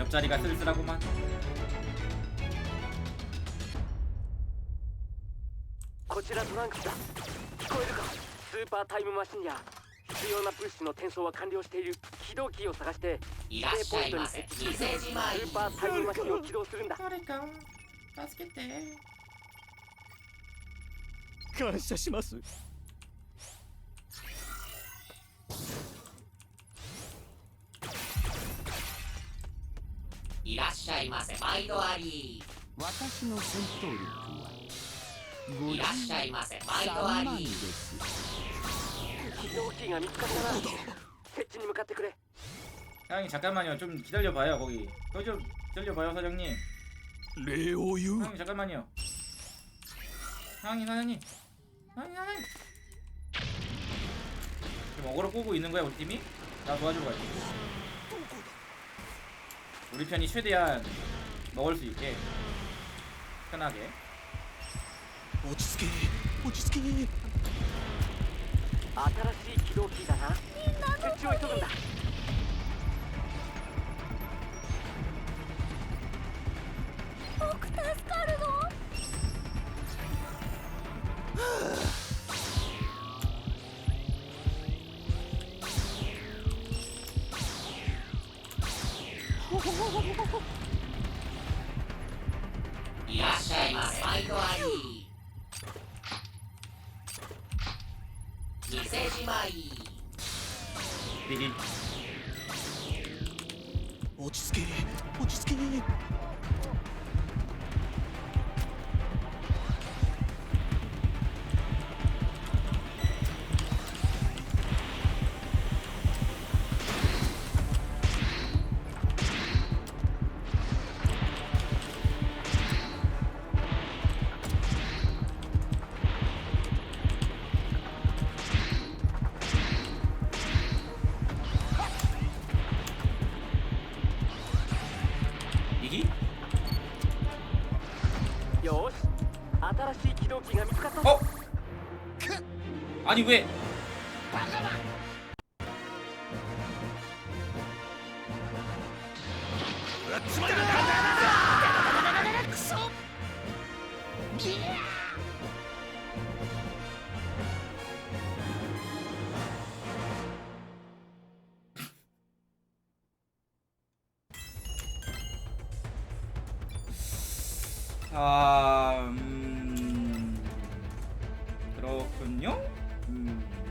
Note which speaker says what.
Speaker 1: 옆자리가 쓸쓸하구만.
Speaker 2: こちらトランクスだ。聞こえるか。スーパータイムマシンや必要な物資の転送は完了している。起動キーを探して指定ポイントに設置する。スーパータイムマシンを起動するんだ。
Speaker 1: 誰か助けて。
Speaker 3: 感謝します。
Speaker 4: いらっしゃいませ。毎度あり。
Speaker 3: 私の戦闘力はい
Speaker 4: らっしゃいませ。毎度あ
Speaker 3: 3万で
Speaker 4: り。
Speaker 3: す。
Speaker 2: 起動キーが見つかったな。設置に向かってくれ。
Speaker 1: 사장님 잠깐만요. 좀 기다려봐요. 거기 좀 기다려봐요 사장님.
Speaker 3: 礼を言う。
Speaker 1: 사장님 잠깐만요. 사장님. 지금 어그로 꼬고 있는 거야 우리 팀이? 나 도와주러 갈게. 우리 편이 최대한 먹을 수 있게 편하게.
Speaker 3: 落ち着け、落ち着け。
Speaker 2: 新しい起動キーだな。設置を急ぐんだ。
Speaker 5: 僕助かるの？
Speaker 4: いらっしゃいませ。毎度あり。店じまい。
Speaker 1: 미리
Speaker 3: 落ち着け、落ち着け。
Speaker 1: 이기?
Speaker 2: よし、新しい起動キーが見つかったぞ。
Speaker 1: 어? 아니 왜? 아, 그렇군요.